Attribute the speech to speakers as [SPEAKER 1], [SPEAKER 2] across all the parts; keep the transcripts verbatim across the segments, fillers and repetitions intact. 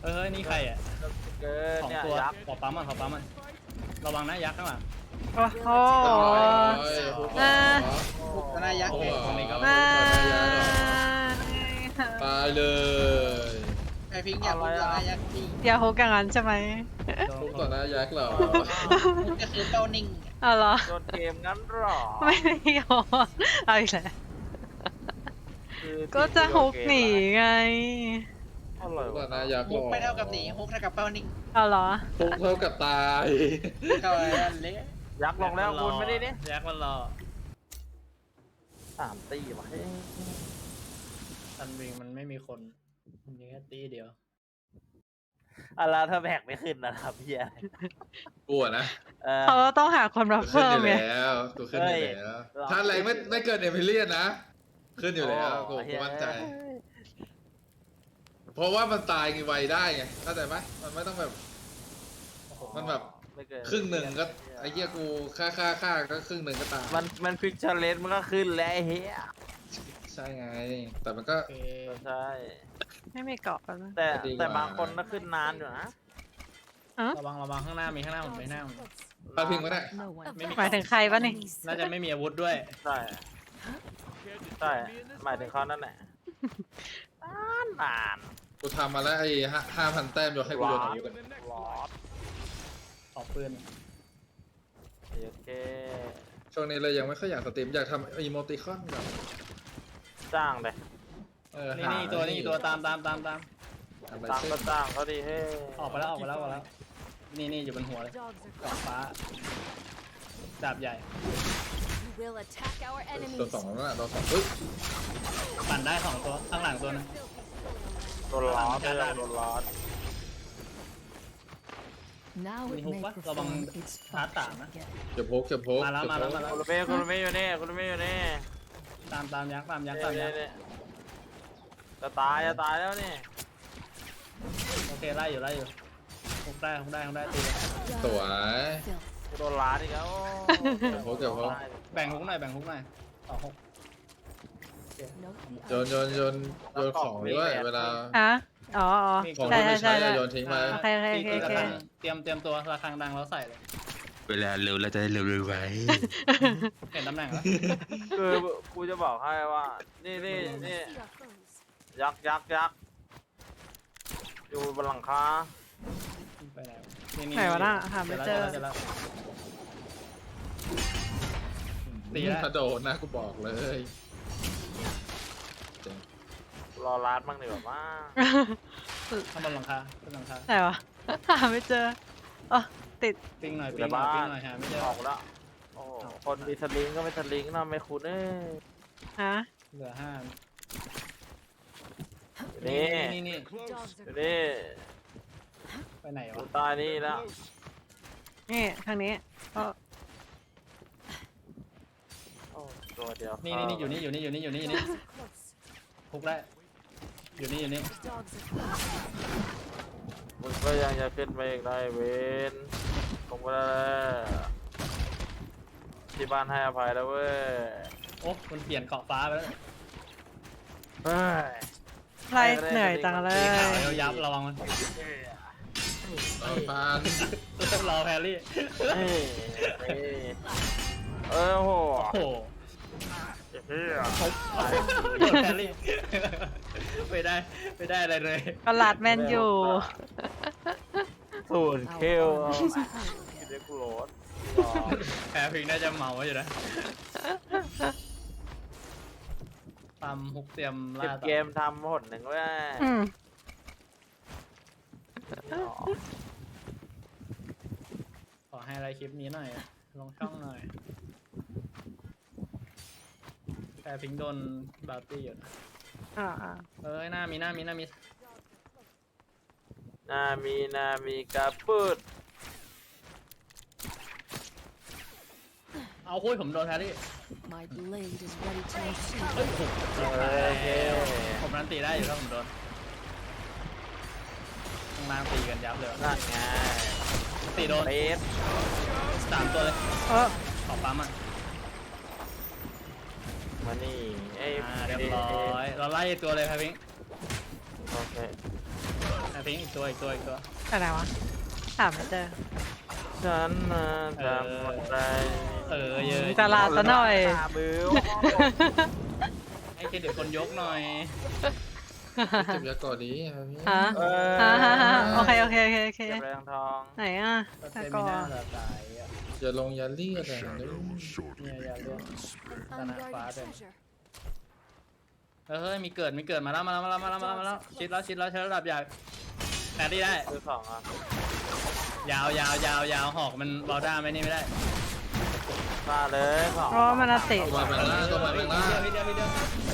[SPEAKER 1] เออนี่ใครอ่ะ
[SPEAKER 2] เกิน
[SPEAKER 1] สอง
[SPEAKER 2] เนี่ย
[SPEAKER 1] ตัว
[SPEAKER 2] ยักษ์
[SPEAKER 1] ขอปั๊มมันขอปั๊มมันระวังนะยักษ์ข้างหลัง
[SPEAKER 3] โอ้โห
[SPEAKER 4] อ่า
[SPEAKER 5] บุกนายักษ์
[SPEAKER 1] โอ้
[SPEAKER 5] ไง
[SPEAKER 1] โหตรงนี้ก็
[SPEAKER 4] มา
[SPEAKER 3] มา
[SPEAKER 4] ตายเลย
[SPEAKER 5] ไอพิงค์อยากบุกนายักษ์จริง
[SPEAKER 3] อย่าฮุกอย่างนั้นใช่ไหม
[SPEAKER 4] ทุกต่อหน้ายักษ์เหรอ
[SPEAKER 5] ก็คือเป้านิ่ง
[SPEAKER 3] เอาเหรอ
[SPEAKER 2] โดนเกมงั้นหรอ
[SPEAKER 3] ไม่ได้โยนเอาอีกแล้ว
[SPEAKER 2] คือ
[SPEAKER 3] ก็จะฮุกหนีไง
[SPEAKER 2] อะไร
[SPEAKER 4] ทุกต่อ
[SPEAKER 2] วะ
[SPEAKER 4] หน้ายักษ์หร
[SPEAKER 5] ฮุก
[SPEAKER 4] อ
[SPEAKER 5] ไม่เท่ากับหนีฮุกเท่ากับเป้านิ่ง
[SPEAKER 3] เอาเหรอ
[SPEAKER 4] ทุกเท่ากับตาย
[SPEAKER 5] ก็อันเล็ก
[SPEAKER 2] ยักษ์ลงแล้วคุณไม่ได้นี่
[SPEAKER 1] ยักษ์มันรอ
[SPEAKER 2] สามตีวะเฮ้ย
[SPEAKER 1] ซันวิงมันไม่มีคนมันมีแค่ตีเดียว
[SPEAKER 2] อะไรถ้าแบกไม่ขึ้นนะครับพี่อะไร
[SPEAKER 4] กลัวนะ
[SPEAKER 2] เออ
[SPEAKER 3] เขาต้องหาคนมา
[SPEAKER 4] ตัวขึ้น
[SPEAKER 3] เพิ่
[SPEAKER 4] อ
[SPEAKER 3] ม
[SPEAKER 4] ยู่
[SPEAKER 3] ไง
[SPEAKER 4] แล้วตัวขึ้นอยู่แล้ว
[SPEAKER 2] เฮ้ย
[SPEAKER 4] ถ้าแรงไม่ไม่เกินเอมิเลียนนะ ขึ้นอยู่แล้วกู
[SPEAKER 2] โอ้
[SPEAKER 4] กูมั่นใจ
[SPEAKER 2] เฮ้ย
[SPEAKER 4] เพราะว่ามันตายไวได้ไงเข้าใจไหมมันไม่ต้องแบบ มันแบบ
[SPEAKER 2] ไม่เกิน
[SPEAKER 4] ครึ่งหนึ่งก็ไอ้เหี้ยกูฆ่าฆ่าฆ่าก็ครึ่งหนึ่งก็ตาย
[SPEAKER 2] มันมันฟิกเชอร์เลนมันก็ขึ้นแล้วไอ้เฮีย
[SPEAKER 4] ใช่ไง แต่มันก็
[SPEAKER 1] โอเค
[SPEAKER 2] ใช่
[SPEAKER 3] ไม่มีเกาะกันนะ
[SPEAKER 2] แต่
[SPEAKER 4] ดีกว่า
[SPEAKER 2] แต่บางคนก็ขึ้นนานอยู่นะ
[SPEAKER 1] ระวังระวังข้างหน้ามีข้างหน้าผมไม่หน้าผม
[SPEAKER 4] พาพิงไม่ได้
[SPEAKER 1] ไม่มี
[SPEAKER 3] หมายถึงใครวะนี่
[SPEAKER 1] น่าจะไม่มีอาวุธด้วย
[SPEAKER 2] ใช่ใช่หมายถึงเขานั่นแหละนานนาน
[SPEAKER 4] กูทำมาแล้วไอ้ห้าพันแต้มโยนให้กูโยนอาวุธกัน
[SPEAKER 2] ลอด
[SPEAKER 1] ขอปืน
[SPEAKER 2] โอเค
[SPEAKER 4] ช่วงนี้เลยยังไม่ค่อยอยากสตรีมอยากทำอีโมติคอนแบบ
[SPEAKER 2] จ้างเลย
[SPEAKER 4] เออ
[SPEAKER 1] นี่
[SPEAKER 4] หา
[SPEAKER 1] นี่ตัวนี่ตัวตามตามตามตาม
[SPEAKER 4] ทำอะไร
[SPEAKER 2] จ้าง
[SPEAKER 4] เช่น
[SPEAKER 2] ก็จ้างเขาดีเฮ้
[SPEAKER 1] ออกไปแล้วออกไปแล้วออกไปแล้ว นี่นี่อยู่บนหัวเลยกรอบฟ้าดาบใหญ่
[SPEAKER 6] will attack our
[SPEAKER 4] ตัว
[SPEAKER 6] enemies.
[SPEAKER 4] สองนั่นแหละตัวสองเฮ้ย
[SPEAKER 1] ปั่นได้สองตัวข้างหลังตัวนึง
[SPEAKER 2] โดนล้อดเลยโดนล้อด
[SPEAKER 6] Now
[SPEAKER 1] มี
[SPEAKER 6] it
[SPEAKER 1] ฮุก
[SPEAKER 6] may
[SPEAKER 1] ปะระวัง
[SPEAKER 6] perform its
[SPEAKER 1] ชาร์จต่างนะ
[SPEAKER 6] again.
[SPEAKER 4] เก็บโพกเก็บโพก
[SPEAKER 1] มาแล้วมาแล้วมาแล้ว
[SPEAKER 2] คุณเมย์คุณเมย์อยู่นี่คุณเมย์อยู่นี่
[SPEAKER 1] ตามตามยักษ์ตามยักษ์
[SPEAKER 2] เนี่
[SPEAKER 1] ตามยั
[SPEAKER 2] ย
[SPEAKER 1] กษ์
[SPEAKER 2] เนี่ยจะตายจะตายแล้วนี่
[SPEAKER 1] โอเคไล่อยู่ไล่อยู่ฮุกได้ฮุกได้ฮุกได้ตีเลย
[SPEAKER 4] สวย
[SPEAKER 2] โดนล้าดอีกแล้ว
[SPEAKER 4] เก็บโพกเก็บโพก
[SPEAKER 1] แบ่งฮุกหน่อยแบ่งฮุกหน่อยต่อฮุก
[SPEAKER 4] โยนโยนโยนโยนของด้วยเวลา
[SPEAKER 3] ฮะอ๋ออ๋อ
[SPEAKER 4] ของ
[SPEAKER 3] ใช่
[SPEAKER 4] ที่
[SPEAKER 3] ใช่
[SPEAKER 4] ไม่
[SPEAKER 3] ใช่
[SPEAKER 4] ใช้
[SPEAKER 3] ใช่
[SPEAKER 4] อะโยนทิ้งไป
[SPEAKER 3] โอเคโอเคโอเค
[SPEAKER 1] ตี
[SPEAKER 3] โอเค
[SPEAKER 1] ระฆังเตรียมเตรียมตัวระฆังดังแล้วใส่เลย
[SPEAKER 7] เวลาเร็วเราจะได้เร็วๆไว้
[SPEAKER 1] เห็นตำแหน่งแล้ว
[SPEAKER 2] คือกูจะบอกให้ว่า นี่นี่นี่ยักษ์ยักษ์ยักษ์อยู่บนหลังคา
[SPEAKER 1] ไปไหนนี่นี่
[SPEAKER 3] ไหนวะน่ะหาไม่เจอ
[SPEAKER 1] จแล้วตีแล้ว
[SPEAKER 4] ถ้าโดนนะกูบอกเลย
[SPEAKER 2] รอลาดบ้างดีกว่าว่า
[SPEAKER 1] ข้างบนหลังคาขึ้นหลังคา
[SPEAKER 3] ไหนวะหาไม่เจออ๋อติด
[SPEAKER 1] ปิ้งหน่อย
[SPEAKER 2] อยู่
[SPEAKER 1] ปิ้
[SPEAKER 2] ใน
[SPEAKER 1] งหน่อย
[SPEAKER 2] บ้า
[SPEAKER 1] ปิ้ง
[SPEAKER 2] น
[SPEAKER 1] หน่อยหาไม่เจอ
[SPEAKER 2] ออกแล้วโอ้โหคนมีสลิงก็ไม่สลิงนะไม่คุ้นเอ้ย
[SPEAKER 3] ฮะ
[SPEAKER 1] เหลือห้า
[SPEAKER 2] นี่
[SPEAKER 1] นี่นี่
[SPEAKER 2] อยู่นี่
[SPEAKER 1] ไปไหน
[SPEAKER 2] อยู่
[SPEAKER 1] วะ
[SPEAKER 2] ใต้นี่แล้ว
[SPEAKER 3] นี่ทางนี้อ๋อ
[SPEAKER 2] โอ้ตัวเดียว
[SPEAKER 1] นี่นี่นี่อยู่นี่อยู่นี่อยู่นี่อยู่นี่อยู่นี่พุกได้อยู่นี่อยู่นี่
[SPEAKER 2] มึงก็ยังจะขึ้นไปอีกได้เวนคงไม่ได้แล้วที่บ้านให้อภัยแล้วเว้ย
[SPEAKER 1] โอ้มันเปลี่ยนเกาะฟ้าไปแล้ว
[SPEAKER 2] เฮ้ย
[SPEAKER 3] ไรเหนื่อยจังเล
[SPEAKER 1] สี
[SPEAKER 3] ย
[SPEAKER 1] ขาวยับยับระวังมัน
[SPEAKER 4] ต่อพาน
[SPEAKER 1] รอแพรรี่
[SPEAKER 2] เฮ้ยเฮ้ยเออโห
[SPEAKER 1] โอ้โห
[SPEAKER 2] เฮีย
[SPEAKER 1] แพรรี่ไม่ได้ไม่ได้อะไรเลย
[SPEAKER 3] ก็ลัดแมนอยู่
[SPEAKER 2] สูนเคิลเรียกโหลด
[SPEAKER 1] แพรพิงน่าจะเมาอยู่นะตามฮุกเตรียม
[SPEAKER 2] สิบ
[SPEAKER 1] ล่าต่อ
[SPEAKER 2] เกมทำหนหนึ่งเว้ย
[SPEAKER 3] อืม
[SPEAKER 1] ขอให้อะไรคลิปนี้หน่อยลงช่องหน่อยแพรพิงโดนบาร์ตี้อยู่นะ
[SPEAKER 3] อ่าอ่า
[SPEAKER 1] เอ้ยหน้ามีหน้ามีหน้ามี
[SPEAKER 2] นามีนามีกระปุด
[SPEAKER 1] เอาคุยผมโดนแพรรี่
[SPEAKER 6] My blade is ready to receive.
[SPEAKER 1] เฮ้ยโอ้โห
[SPEAKER 2] โอเค
[SPEAKER 1] ผมรันตีได้อยู่ถ้าผมโดนข้างล่างตีกันยับเลย
[SPEAKER 2] นั่นไง
[SPEAKER 1] ตีโดน
[SPEAKER 2] เบส
[SPEAKER 1] สามตัวเลย
[SPEAKER 3] เออ
[SPEAKER 1] ขอปั๊มอ่ะ
[SPEAKER 2] มานี่ไอ้
[SPEAKER 1] อ่าเรียบร้อยเราไล่ตัวเลยแพรพิง
[SPEAKER 2] โอเค
[SPEAKER 1] แพรพิงอีกตัวอีกตัวอีกตัว
[SPEAKER 3] อะไรวะถามไม่เจอ
[SPEAKER 2] ฉันน่ะทำอะไร
[SPEAKER 1] เออเยอะ
[SPEAKER 3] ตลาดซะหน่อย
[SPEAKER 2] ตาบิ้ว
[SPEAKER 1] ให้เครดิตคนยกหน่อย
[SPEAKER 4] เก็บยาก่อนดีครับพี่
[SPEAKER 3] ฮะ
[SPEAKER 2] เออ
[SPEAKER 3] ฮะฮะฮะโอเคโอเคโอเคโอเค
[SPEAKER 2] เก็บแรงทอง
[SPEAKER 3] ไหนอ่ะ
[SPEAKER 1] ก็
[SPEAKER 3] ตะ
[SPEAKER 1] เซ
[SPEAKER 3] ก
[SPEAKER 1] มิ
[SPEAKER 3] อ
[SPEAKER 1] น่าจะตายอ่ะ
[SPEAKER 4] อย่าลงอยาเลียดอะไรนะ
[SPEAKER 1] เนี่ยอย่าเลือก
[SPEAKER 6] An
[SPEAKER 1] Sana phá
[SPEAKER 6] unguarded
[SPEAKER 1] được.
[SPEAKER 6] treasure.
[SPEAKER 1] เฮ้ยมีเกิดมีเกิดมาแล้วมาแล้วมาแล้วมาแล้วมาแล้วมาแล้วชิดแล้วชิดแล้วใช้ระดับใหญ่แต่ที่ได้
[SPEAKER 2] ซื้อของอ่ะ
[SPEAKER 1] ยาวยาวยาวยาวหอกมันบอลด้าไม่นี่ไม่ได้
[SPEAKER 2] มาเลยของ
[SPEAKER 3] เพราะว่ามันอาติ
[SPEAKER 4] ตัวมาแบงล่างตัวมาแบงล่าง
[SPEAKER 1] ทีเดียวทีเดียว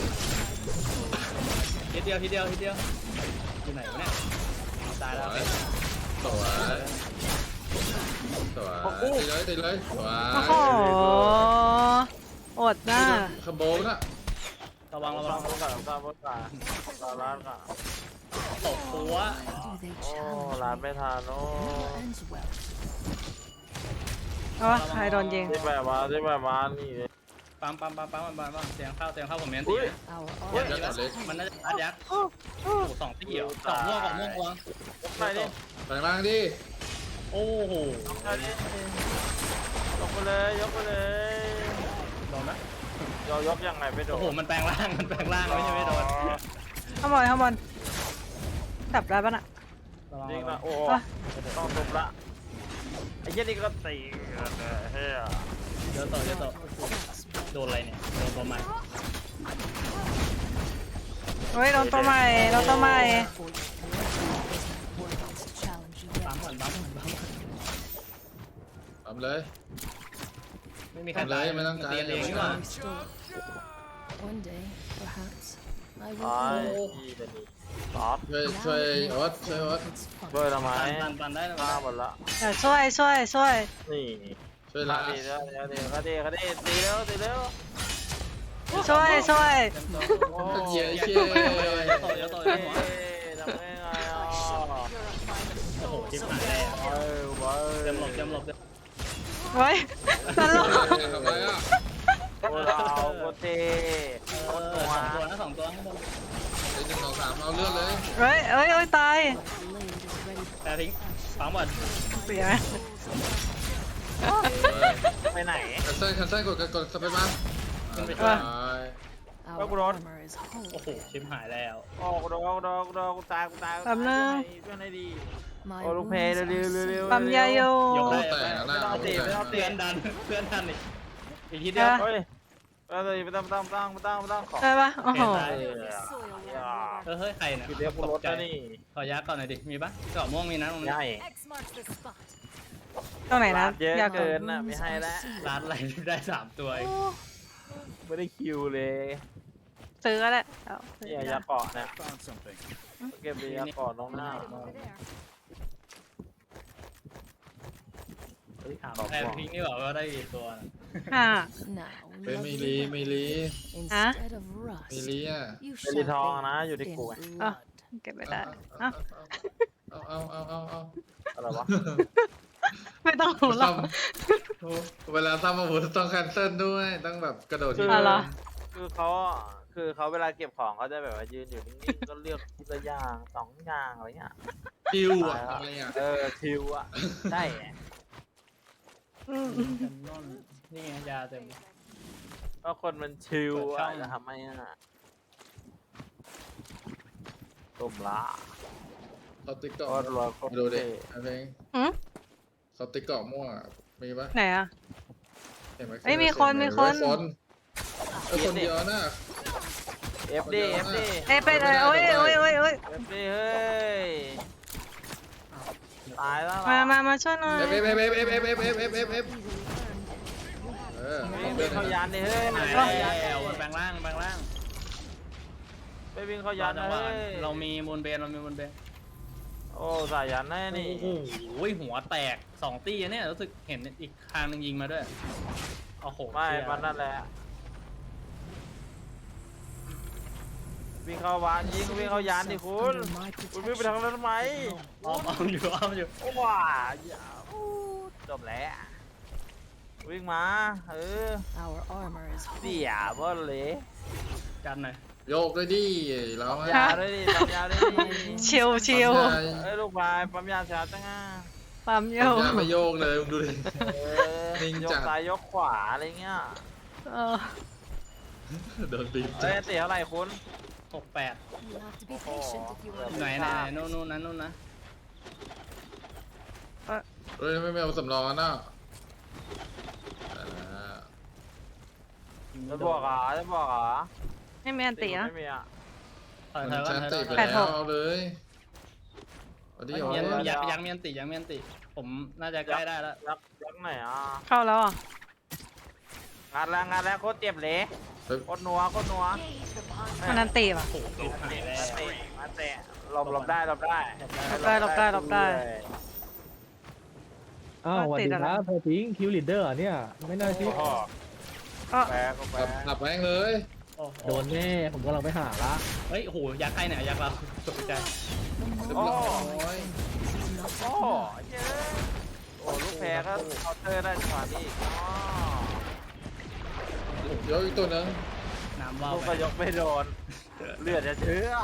[SPEAKER 1] ทีเดียวทีเดียวทีเดียวอยู่ไหนวะเนี่ยตายแล้ว
[SPEAKER 4] สวยสวยตีเลยตีเลยสวย
[SPEAKER 3] โอ้โหอดหน้า
[SPEAKER 4] ขโมยนะ
[SPEAKER 1] ระวังระ
[SPEAKER 2] ต้
[SPEAKER 1] วั
[SPEAKER 2] อง งพูดก่อนต้องพูดก่อนรอร้านก่อน
[SPEAKER 1] ตกหัว
[SPEAKER 6] Do they
[SPEAKER 2] โอ้
[SPEAKER 6] challenge?
[SPEAKER 2] ร้านไม่ทันโอ้
[SPEAKER 6] Ends well.
[SPEAKER 3] โอ้ใครโดนยิง
[SPEAKER 2] ที่แบบมาที่แบบมานี่เลย
[SPEAKER 1] ปั๊มปั๊มปั๊มปั๊มปั๊มปั๊มเสียงเข้าเสียงเข้าผมเมียนตี
[SPEAKER 2] อุ้ย
[SPEAKER 6] Our
[SPEAKER 1] เฮ้ย
[SPEAKER 6] armor
[SPEAKER 4] ยักษ์เล็ก
[SPEAKER 1] มันน่าจะอัดยักษ์โอ้สองตีเหรอสองม่วงสองม่วงวาง
[SPEAKER 2] ยกไปดิ
[SPEAKER 4] แบงล่างดิ
[SPEAKER 1] โอ้โห
[SPEAKER 2] ยกไปดิยกไปเลยยกไปเลย
[SPEAKER 1] โดนไหม
[SPEAKER 2] ยกยกยังไงไม่โด
[SPEAKER 1] โอ้
[SPEAKER 2] น
[SPEAKER 1] โหมันแปลงร่างมันแปลงร่างไม่ใช่ไม่โดน
[SPEAKER 3] ข้างบนข้างบนจับได้ปะน่ะ
[SPEAKER 1] ระวัง
[SPEAKER 2] จริง
[SPEAKER 1] ระวั
[SPEAKER 2] นะ
[SPEAKER 1] ง
[SPEAKER 2] โอ้ต้องทุบละไอ้เหี้ยนี่ก็ตีเฮ้ย
[SPEAKER 1] เดี๋ยวต่อเดี๋ยวต่อโดนอะไรเนี่ยโดนตัวใหม่
[SPEAKER 3] เฮ้ยโดนตัวใหม่โดนตัวใหม่
[SPEAKER 6] challenge you
[SPEAKER 1] ปั๊ม
[SPEAKER 6] yet.
[SPEAKER 1] ก่อนปั๊มก่อนปั๊มก่อน
[SPEAKER 4] ทำเลย
[SPEAKER 1] ไม่มีใคร
[SPEAKER 4] ทำเลย
[SPEAKER 1] ตาย
[SPEAKER 4] ไม่ต้องการ
[SPEAKER 1] เตียนเองนี่หว่า
[SPEAKER 6] One day, perhaps, I
[SPEAKER 2] ไอ้
[SPEAKER 6] will.
[SPEAKER 2] ยี่จะนี่ซอส
[SPEAKER 4] ช่วยช่วยออสช่วยออส
[SPEAKER 6] It's fun.
[SPEAKER 2] ด้วยทำไม
[SPEAKER 1] ปันปันปันได้นะ
[SPEAKER 2] ฆ่าหมดละ
[SPEAKER 3] เดี๋ยวช่วยช่วยช่วย
[SPEAKER 2] นี่
[SPEAKER 4] ช่วย
[SPEAKER 2] ฆ่า
[SPEAKER 4] ละ
[SPEAKER 2] ดีแล้วเดี๋ยวเดี๋ยวดีก็ดีตีแล้วตีแล้ว
[SPEAKER 3] ช่วยช่วย
[SPEAKER 2] โอ้
[SPEAKER 4] เย้
[SPEAKER 1] เดี๋
[SPEAKER 4] เย้
[SPEAKER 1] ยวต่อเดี๋ยวต่อเดี๋ยวต่อ
[SPEAKER 2] เฮ้
[SPEAKER 1] เดี๋ยวต่อ
[SPEAKER 2] ทำได้ไงอ่ะ
[SPEAKER 1] โอ้โหชิบหายแล้ว
[SPEAKER 2] เฮ้ยเว้ย
[SPEAKER 1] เตรียมหลบเตรียมหลบเตรียม
[SPEAKER 3] เฮ้ยตลก
[SPEAKER 4] ทำไมอ่ะ
[SPEAKER 2] โอ้เราโคตรเท่
[SPEAKER 1] เออสองตัวนะสองตัวข้างบน
[SPEAKER 4] ไอ้หนึ่งสองสามเอาเลือดเลย
[SPEAKER 3] เฮ้ยเฮ้ยเฮ้ยตาย
[SPEAKER 6] Blade is ready.
[SPEAKER 1] แต่ทิ้งปั๊มก่อน
[SPEAKER 3] เสียไหม
[SPEAKER 2] ไปไหน
[SPEAKER 4] คันเซิลคันเซิลกดกดสเปซมา
[SPEAKER 1] ขึ้นไป
[SPEAKER 4] ไป
[SPEAKER 1] ช่วย
[SPEAKER 6] Our
[SPEAKER 2] Bro.
[SPEAKER 6] armor is
[SPEAKER 1] โอ้
[SPEAKER 6] whole.
[SPEAKER 1] โหชิบหายแล้ว
[SPEAKER 2] โอ้กูโดนกูโดนกูโดนกูตายกูตาย
[SPEAKER 3] แป๊บนึง
[SPEAKER 2] เพื่อนให้ดี
[SPEAKER 6] My
[SPEAKER 2] โอ้ลูกเพล
[SPEAKER 6] wounds
[SPEAKER 2] เร็ว
[SPEAKER 6] are
[SPEAKER 2] เร็วเร็ว
[SPEAKER 3] ปั๊มยาโย
[SPEAKER 1] ยกได้
[SPEAKER 4] แต่งหน้า
[SPEAKER 2] ไม่ต้องตีไม่ต้องตี
[SPEAKER 1] เพื่อนดันเพื่อนดันอีกอีกทีเดียว
[SPEAKER 2] เฮ้ยไม่ต้องไม่ต้องไม่ต้องไม่ต้องไม่ต้องไม่ต้องขอ
[SPEAKER 3] ได้ปะโอ้โห
[SPEAKER 2] เออ
[SPEAKER 1] เออเฮ้ยใครเนี่ย
[SPEAKER 2] คือเรียกกูรถนะนี่
[SPEAKER 1] ขอยักษ์ก่อนหน่อยดิมีปะเกาะม่วงมีนะตรงนี้
[SPEAKER 2] ใหญ่
[SPEAKER 6] X marks the spot.
[SPEAKER 3] ตรงไหนนะ
[SPEAKER 2] เยอะ
[SPEAKER 3] อยาก
[SPEAKER 2] เกินน่ะไม่ให้แล้ว
[SPEAKER 1] ร้านอะไรได้สามตัวเอง
[SPEAKER 2] ไม่ได้คิวเลย
[SPEAKER 3] ซื้อก็ได้เอาซื้อ
[SPEAKER 2] เนี่ย
[SPEAKER 3] ก็
[SPEAKER 2] ยา
[SPEAKER 3] ได้
[SPEAKER 2] เกาะเนี่ยเก็บยาเกาะลงหน้า
[SPEAKER 6] Item over there.
[SPEAKER 2] เฮ้ย
[SPEAKER 1] ถาม
[SPEAKER 2] ขอบ
[SPEAKER 1] แพรพิงนี่บอกว่าได้กี่ตัวนะ
[SPEAKER 3] ห้า
[SPEAKER 6] Now,
[SPEAKER 4] เป็นไม่
[SPEAKER 6] lovely
[SPEAKER 4] ลีไม่ลี
[SPEAKER 6] instead of
[SPEAKER 4] ไม่
[SPEAKER 6] rust,
[SPEAKER 4] ลีอ่ะ
[SPEAKER 6] you
[SPEAKER 2] เป็นลีทอง
[SPEAKER 6] shall
[SPEAKER 2] นะอยู่
[SPEAKER 6] bathe
[SPEAKER 2] ที่
[SPEAKER 6] in
[SPEAKER 2] กูไง
[SPEAKER 6] blood.
[SPEAKER 3] เก็บไม่ได้เอ้า
[SPEAKER 4] เอาเอาเอาเอาเอา
[SPEAKER 2] อะไรวะ
[SPEAKER 3] ไม่ต้องหูหรอก
[SPEAKER 4] เวลาซ้ำอาวุธต้องแคนเซิลด้วยต้องแบบกระโดดที
[SPEAKER 3] อ๋อเหรอ
[SPEAKER 2] คือเขาคือเขาเวลาเก็บของเขาจะแบบว่ายืนอยู่นิ่งๆก็เลือกทีละอย่างสองอย่างอะไรเงี้ย
[SPEAKER 4] คิวอ่ะอะไรอ่ะ
[SPEAKER 2] เออทิวอ่ะใช่
[SPEAKER 3] อืม
[SPEAKER 1] นี่ไงยาเต็ม
[SPEAKER 2] ก็คนมันชิว
[SPEAKER 1] เปิดช่
[SPEAKER 2] อ่ะ
[SPEAKER 1] อง
[SPEAKER 2] จะทำไมอ่ะตุ่มละ
[SPEAKER 4] เขาติ๊กเกาะ
[SPEAKER 2] โคตรรวยโคตร
[SPEAKER 4] ดูดิ
[SPEAKER 2] เท่
[SPEAKER 4] ไอ้เพลง
[SPEAKER 3] หืม
[SPEAKER 4] เขาติ๊กเกาะม่วงอ่ะมีปะ
[SPEAKER 3] ไหนอ่ะ
[SPEAKER 4] เห็นไหม
[SPEAKER 3] เอ้ยมีคนมีคน
[SPEAKER 4] คนเออคนเดียวนะ
[SPEAKER 2] เอฟดีเอฟดี
[SPEAKER 3] เอ้ยไปเลยโอ้ยโอ้ยโอ้ยโอ้ย
[SPEAKER 2] เอฟดีเฮ้ยตายแล้ว
[SPEAKER 3] มามามาช่วยหน่อย
[SPEAKER 4] เอฟเอฟเอฟเอฟเอฟเอฟเอฟเอฟเอฟเอฟเอฟเออ
[SPEAKER 2] ไม่
[SPEAKER 4] เดิ
[SPEAKER 2] วิ่
[SPEAKER 4] น
[SPEAKER 2] งเข้ายันดิเฮ้ย
[SPEAKER 1] หาย
[SPEAKER 2] เข้ายัน
[SPEAKER 1] แล้วมันแปลงร่างแปลงร่าง
[SPEAKER 2] ไม่วิ่งเข้ายั
[SPEAKER 1] ยาน จังหวะ
[SPEAKER 2] เฮ้ย
[SPEAKER 1] เรามีมูลเบนเรามีมูลเบน
[SPEAKER 2] โอ้สายยันแน่นี่
[SPEAKER 1] โอ้โหหัวแตกสองตีเนี่ยรู้สึกเห็นอีกทางหนึงยิงมาด้วยโอ้โห
[SPEAKER 2] ไม่มันนั่นแหละวิ่งเข้าวานยิงวิ่งเข้ายันดิคุณ
[SPEAKER 6] Under my
[SPEAKER 2] คุณวิ่งไป
[SPEAKER 6] protection.
[SPEAKER 2] ทางนั้นทำไม
[SPEAKER 1] อ้อมอ้อมอยู่อ้อมอยู่
[SPEAKER 2] ว้าอย่าอู้จบแล้ววิ่งมาเออ
[SPEAKER 6] Our armor is
[SPEAKER 2] เสี
[SPEAKER 6] whole.
[SPEAKER 2] ยบอลเลย
[SPEAKER 1] กันหน่อย
[SPEAKER 4] โยกด้วยดิเรา
[SPEAKER 2] ปั๊ม
[SPEAKER 4] อะ
[SPEAKER 2] ยาด้วยดิปั๊มยาด้วยดิ
[SPEAKER 3] ชิวชิว
[SPEAKER 4] ปั๊มยา
[SPEAKER 2] เอ้ยลูกบายปั๊มยาช้าจังอ่ะ
[SPEAKER 3] ปั๊มโย
[SPEAKER 4] ปั๊มยาไม่โยกเลยมึงดูดิ
[SPEAKER 2] เออ
[SPEAKER 4] นิ่ง
[SPEAKER 2] ย
[SPEAKER 4] จั
[SPEAKER 2] ก
[SPEAKER 4] ด
[SPEAKER 2] ซ้ายยกขวาอะไรเงี้ย
[SPEAKER 3] เออ
[SPEAKER 4] โดนตีจั
[SPEAKER 2] เอ้ย
[SPEAKER 4] ด
[SPEAKER 2] เตะเท่าไหร่คุณ
[SPEAKER 1] หกแปด
[SPEAKER 6] You have to be patient if you want
[SPEAKER 1] ไหนไหนไหนนู่นนู่นนะนู่นนะ
[SPEAKER 4] เฮ้ยไม่เอาสำรองแล้วนะอ่า
[SPEAKER 2] จะบอกเหรอจะบอกเหรอ
[SPEAKER 3] ไม่มีอันตีนะ
[SPEAKER 2] ไม่มีอ่ะ
[SPEAKER 1] ถอย
[SPEAKER 4] มั
[SPEAKER 1] ถอย
[SPEAKER 4] น
[SPEAKER 1] ก่อน
[SPEAKER 4] ชัน
[SPEAKER 1] ถอย
[SPEAKER 4] ติ
[SPEAKER 1] ก่อน
[SPEAKER 4] ไป
[SPEAKER 3] แปดห
[SPEAKER 4] แล้ว
[SPEAKER 3] ก
[SPEAKER 4] เอาเลยเอาดิ
[SPEAKER 1] เฮ้ย
[SPEAKER 4] เอา
[SPEAKER 1] ยัง
[SPEAKER 4] เลย
[SPEAKER 1] ยังยังมีอันติยังมีอันติ ผมน่าจะใกล้ได้แล้ว
[SPEAKER 2] ยักยักไหนอ่ะ
[SPEAKER 3] เข้าแล้วอ่ะ
[SPEAKER 2] งานแล้วงานแล้วโคตรเจ็บเลย
[SPEAKER 4] เฮ้ย
[SPEAKER 2] โคตรนัวโคตรนัว
[SPEAKER 3] มันอันตีป่ะ
[SPEAKER 1] โอ้โหติดหายแล้ว
[SPEAKER 2] มาเตะมาเตะหลบหลบได้หลบได้
[SPEAKER 3] หลบได้หลบได้หลบได้
[SPEAKER 8] อ้าวสวัสดีครับพอพิงคิวลีดเดอร์เนี่ย ไม่น่า
[SPEAKER 2] โอ้
[SPEAKER 8] เชื่อ
[SPEAKER 2] โห
[SPEAKER 3] ก็
[SPEAKER 2] แปะก็แป
[SPEAKER 4] ขับขั
[SPEAKER 2] ะ
[SPEAKER 4] บแม่งเลย
[SPEAKER 1] โอ้โห
[SPEAKER 8] โดนแน่ผมกำลังไปหาละ
[SPEAKER 1] เฮ้ยโอ้โหยักษ์ใครเนี่ยยักษ์เราตกใจ
[SPEAKER 4] เรียบร้อย
[SPEAKER 2] โอ้โหเย้โอ้ลูกแพ้ก็เคาน์เตอร์ได้จังหวะนี้อ๋อ
[SPEAKER 4] เดี๋ยวอีกตัวหนึง
[SPEAKER 1] น้ำว่าว
[SPEAKER 2] ลูก
[SPEAKER 1] ไป
[SPEAKER 2] ก็ยกไม่โดนเลือดจะเชื่อ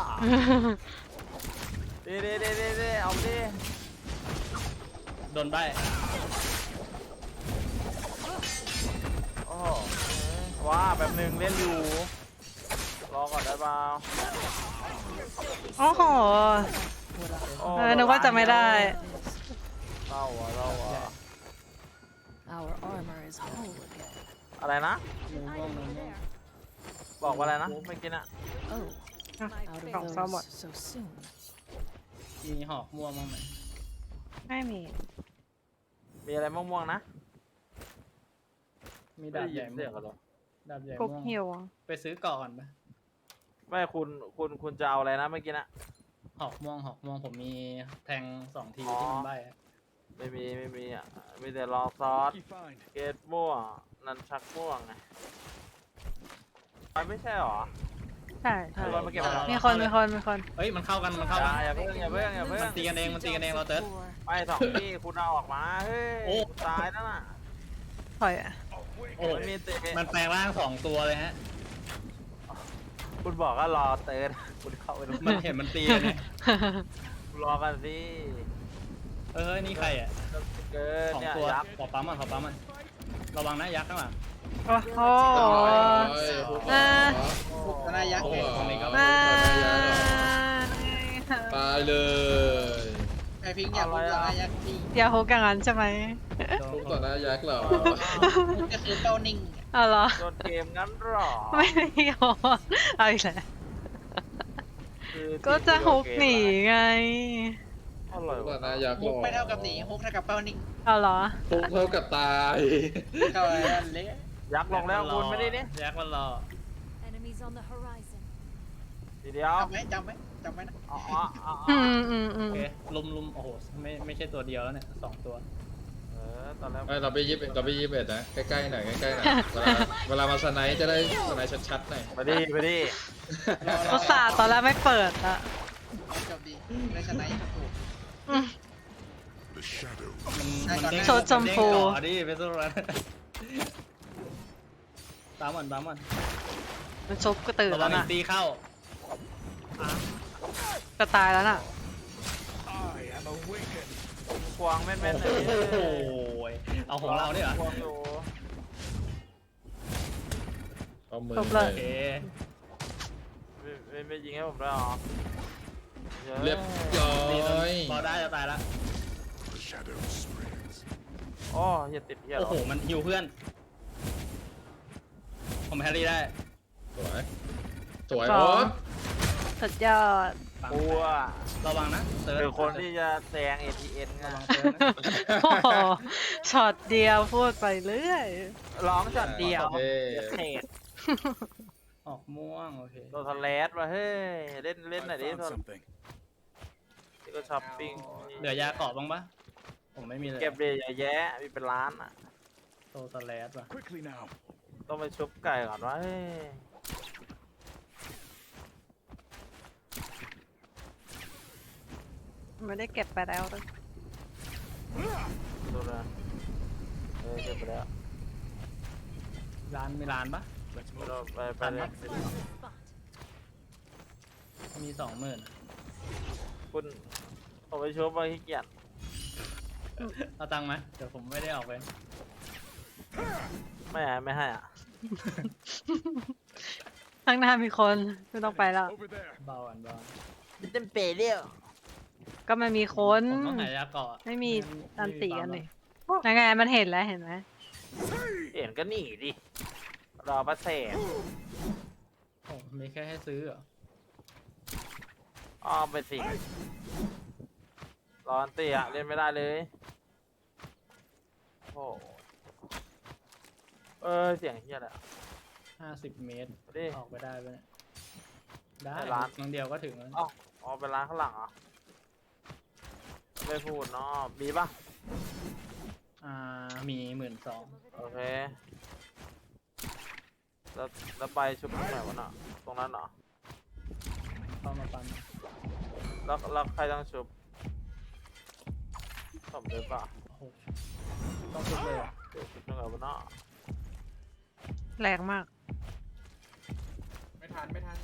[SPEAKER 2] ดีดีดีดีดีเอาดิ
[SPEAKER 1] โดนใบ
[SPEAKER 2] โอ้โหว้าแบบหนึ่งเล่นอยู่รอก่อนได้เปล่า
[SPEAKER 3] โอ้โห
[SPEAKER 2] โอ้
[SPEAKER 3] เออนึกว่าจะไม่ได้
[SPEAKER 2] เล่าอ่ะเล่าอ่ะ
[SPEAKER 6] Our armor is whole again.
[SPEAKER 2] อะไรนะ
[SPEAKER 1] ม่วงม่วงม่วงม่วง
[SPEAKER 2] บอกว่าอะไรนะไม่กินอ่ะ
[SPEAKER 6] Oh,
[SPEAKER 3] Ah,
[SPEAKER 6] out of
[SPEAKER 3] oh, somewhat.
[SPEAKER 6] those so soon.
[SPEAKER 1] มีหอกม่วงมั้างไหม
[SPEAKER 3] ไม่มี
[SPEAKER 2] มีอะไรม่วงๆนะ
[SPEAKER 1] มี
[SPEAKER 2] ไม่
[SPEAKER 1] ดา
[SPEAKER 2] ได้
[SPEAKER 1] บ
[SPEAKER 2] ยิ
[SPEAKER 1] ใหญ่
[SPEAKER 2] น
[SPEAKER 1] ม่
[SPEAKER 2] เสี
[SPEAKER 1] วย
[SPEAKER 2] ง
[SPEAKER 1] ง
[SPEAKER 2] กันหรอ
[SPEAKER 1] ดาบใหญ่
[SPEAKER 3] กุ๊ก
[SPEAKER 1] ม่วง
[SPEAKER 3] หิว
[SPEAKER 1] ไปซื้อก่อนปะ
[SPEAKER 2] ไม่คุณคุณคุณจะเอาอะไรนะเมื่อกี้นะ
[SPEAKER 1] หอกม่วงหอกม่วงผมมีแทงสองที
[SPEAKER 2] อ๋อ
[SPEAKER 1] ที่มันใบอะ
[SPEAKER 2] ไม่มีไม่มีอ่ะมีแต่รอซอสเกตม่วงนันชักม่วงไงมันไม่ใช่หรอ
[SPEAKER 3] ใช่ใช่
[SPEAKER 2] เอามาเก็บเอามี
[SPEAKER 3] มีคนมีคนมีคน
[SPEAKER 1] เฮ้ยมันเข้ากันมันเข้า
[SPEAKER 2] อ
[SPEAKER 1] กั
[SPEAKER 2] ย่าน อย่าเพิ่งอย่าเพิ่งอย่าเพิ่ง
[SPEAKER 1] มันตีกันเองมันตีกันเองเราเติร์ด
[SPEAKER 2] ไปสองที่คุณเอาออกมาเฮ้ย
[SPEAKER 1] โอ้
[SPEAKER 2] ตายแล้วน่ะ
[SPEAKER 3] ถอยอ่ะ
[SPEAKER 1] โอ้
[SPEAKER 2] มันมีเตะ
[SPEAKER 1] มันแปลงร่างสองตัวเลยฮะ
[SPEAKER 2] คุณบอกว่ารอเติร์ดคุณเข้าไปดู
[SPEAKER 1] มันเห็นมันตีกันเนี่ย
[SPEAKER 2] รอกันสิ
[SPEAKER 1] เออนี่ใครอ่ะ
[SPEAKER 2] เกิน
[SPEAKER 1] สอง
[SPEAKER 2] เนี่ย
[SPEAKER 1] ตัว
[SPEAKER 2] ยักษ์
[SPEAKER 1] ขอปั๊มมันขอปั๊มมันระวังนะยักษ์ข้างหลัง
[SPEAKER 3] โอ้โห
[SPEAKER 4] เรียบร้อย
[SPEAKER 3] อ่า
[SPEAKER 5] พวกนายักษ์
[SPEAKER 4] โอ้
[SPEAKER 5] ไง
[SPEAKER 4] โห
[SPEAKER 3] มา
[SPEAKER 4] ตายเลย
[SPEAKER 5] ไอพิงอยากรู้นายักษ์จริง
[SPEAKER 3] อย่าโฮกอย่างนั้นใช่ไหม
[SPEAKER 4] ทุกต่อหน้ายักษ์เหรอ
[SPEAKER 5] ก็คือเป้านิ่ง
[SPEAKER 3] เอาเหรอ
[SPEAKER 2] โดนเกมงั้นหรอ
[SPEAKER 3] ไม่ได้โฮเอาอีกแล้ว
[SPEAKER 2] คือ
[SPEAKER 3] ก็จะฮุกหนีไง
[SPEAKER 2] อร่อย
[SPEAKER 4] ทุกต่อ
[SPEAKER 2] ว่ะ
[SPEAKER 4] หน้ายักษ์หร
[SPEAKER 5] ฮุก
[SPEAKER 4] อ
[SPEAKER 5] ไม่เท่ากับหนีฮุกเท่ากับเป้านิ่ง
[SPEAKER 3] เอาเหรอ
[SPEAKER 4] ทุกเท่ากับตาย
[SPEAKER 5] เข้าไปนั่นเละ
[SPEAKER 2] ยักษ์ลงแล้วคุณไม่ได้ดิ
[SPEAKER 1] ยักษ์มันรอ
[SPEAKER 6] Enemies on the horizon.
[SPEAKER 2] ทีเดียว
[SPEAKER 5] จำไหมจำไหมจำไหมนะ
[SPEAKER 2] อ๋ออ๋ออ๋อ
[SPEAKER 3] อืมอืมอื
[SPEAKER 1] โอ
[SPEAKER 3] ม
[SPEAKER 1] เคลุมลุมโอ้โหไม่ไม่ใช่ตัวเดียวแล้วเนี่ยสองตัว
[SPEAKER 2] เออตอนแรก
[SPEAKER 4] ไม่เราไปยิบเราไปยิบเอ็ดนะใกล้ๆหน่อยใกล้ๆหน่อยเวลาเวลามาสไนด์จะได้สไนด์ชัดๆหน่อย
[SPEAKER 2] ไปดิไปดิ
[SPEAKER 3] อุตส่าห์ตอนแรกไม่เปิดอะ
[SPEAKER 5] จบดีได้ชนะอีกถูก
[SPEAKER 3] อืม
[SPEAKER 1] มัน
[SPEAKER 5] ใช่
[SPEAKER 1] มันเด้ง
[SPEAKER 3] โชว์ชมพู
[SPEAKER 1] นเด้งต่อดิไปสู้รันตามมันตามมัน
[SPEAKER 3] มันชุบก็ตื่น
[SPEAKER 1] ระวั
[SPEAKER 3] แล้
[SPEAKER 1] ง
[SPEAKER 3] ว
[SPEAKER 1] อี
[SPEAKER 3] น่ะ
[SPEAKER 1] กตีเข้า
[SPEAKER 3] จะตายแล้วน่ะ
[SPEAKER 2] ควงแม่นๆเลย
[SPEAKER 1] โอ้โหเอาของเราเนี่ยเหรอ
[SPEAKER 2] ควงอยู่
[SPEAKER 4] เอามือ
[SPEAKER 3] จบเล
[SPEAKER 4] เลย
[SPEAKER 1] โอเค
[SPEAKER 2] ไม่ไม่ไม่ยิงให้ผมได้หรอ
[SPEAKER 4] เรียบร้อ
[SPEAKER 1] ตีจน
[SPEAKER 4] ย
[SPEAKER 1] บอลได้จะตายแล้ว
[SPEAKER 2] โอ้อย่าติดเหี้ยหร
[SPEAKER 1] โอ้
[SPEAKER 2] อ
[SPEAKER 1] โหมันฮิวเพื่อน ผมแฮร์รี่ได้
[SPEAKER 4] สวยสวย
[SPEAKER 3] ส
[SPEAKER 4] โอ๊
[SPEAKER 3] อง
[SPEAKER 4] ต
[SPEAKER 3] สุดยอด
[SPEAKER 1] ปัง
[SPEAKER 2] กลัว
[SPEAKER 1] ระวังนะเติร์ด
[SPEAKER 2] คือคนที่จะแซง เอ ที เอ็น ไง
[SPEAKER 1] ระวังเติร์ดนะ
[SPEAKER 3] โอ้โหช็อตเดียวพูดไปเรื่อย
[SPEAKER 2] ร้องช็อตเดียว
[SPEAKER 4] โอเค
[SPEAKER 2] เดี๋ยวเทรด
[SPEAKER 1] ออกม่วงโอเค
[SPEAKER 2] โดนทะเลสว่ะเฮ้ยเล่นเล่นหน่อยดิโดนที่ก็ช้อปปิ้ง
[SPEAKER 1] เหลือยาเกาะบ้างปะผมไม่มีเลย
[SPEAKER 2] เก็บเลยอย่าแย่มีเป็นล้านอ่ะ
[SPEAKER 1] โซสแลดว่ะ
[SPEAKER 2] ต้องไปชุบไก่ก่อนวะเฮ้ย
[SPEAKER 3] ไม่ได้เก็บไปแล้วเลย
[SPEAKER 2] ดูนะเออเก็บไปแล้ว
[SPEAKER 1] ร้านมีร้านปะ
[SPEAKER 2] เราไปไปเลย
[SPEAKER 6] Find the spot.
[SPEAKER 1] มีสองหมื่น
[SPEAKER 2] คุณผมไปชุบมาขี้เกียจ
[SPEAKER 1] เอาตังค์ไหมเดี๋ยวผมไม่ได้ออกไป
[SPEAKER 2] ไม่ให้ไม่ให้อ่ะ
[SPEAKER 3] ข้างหน้ามีคนไม่ต้องไปแล้ว
[SPEAKER 1] เบาอันเบา
[SPEAKER 2] เต็มเปรี้ยว
[SPEAKER 3] ก็มันมีคน
[SPEAKER 1] ผมต้องหายาเกาะ
[SPEAKER 3] ไม่มีอันตีกัน
[SPEAKER 1] เล
[SPEAKER 3] เลย ยยังไงมันเห็นแล้วเห็นไหม
[SPEAKER 2] เห็นก็หนีดิรอประเสริฐ
[SPEAKER 1] โอ้มีแค่ให้ซื้อเหรอ
[SPEAKER 2] อ้อมไปสิร้อนเตี้ยเล่นไม่ได้เลยโอ้เออเสียงเฮียอะไร
[SPEAKER 1] ห้าสิบเมตร
[SPEAKER 2] ดิ
[SPEAKER 1] ออกไปได้ไหมเนี่ยได้
[SPEAKER 2] ไปร้าน
[SPEAKER 1] ครั้งเดียวก็ถึงแล้ว
[SPEAKER 2] อ๋ออ๋อเป็นร้านข้างหลังเหรอไม่พูดเนาะมีปะ
[SPEAKER 1] อ่ามีหมื่นสอง
[SPEAKER 2] โอเคแล้วแล้วไปชุบตรงไหนวะน่ะตรงนั้นเหรอ
[SPEAKER 1] เข้ามาปัน
[SPEAKER 2] แล้วแล้วใครต้องชุบผมเลยปะ
[SPEAKER 1] โอ้โหต้องชุบเลยเหรอ
[SPEAKER 2] เดี๋ยวชุบตรงไหนวะน่ะ
[SPEAKER 3] แรงมาก
[SPEAKER 4] ไม่ทันไม่ทัน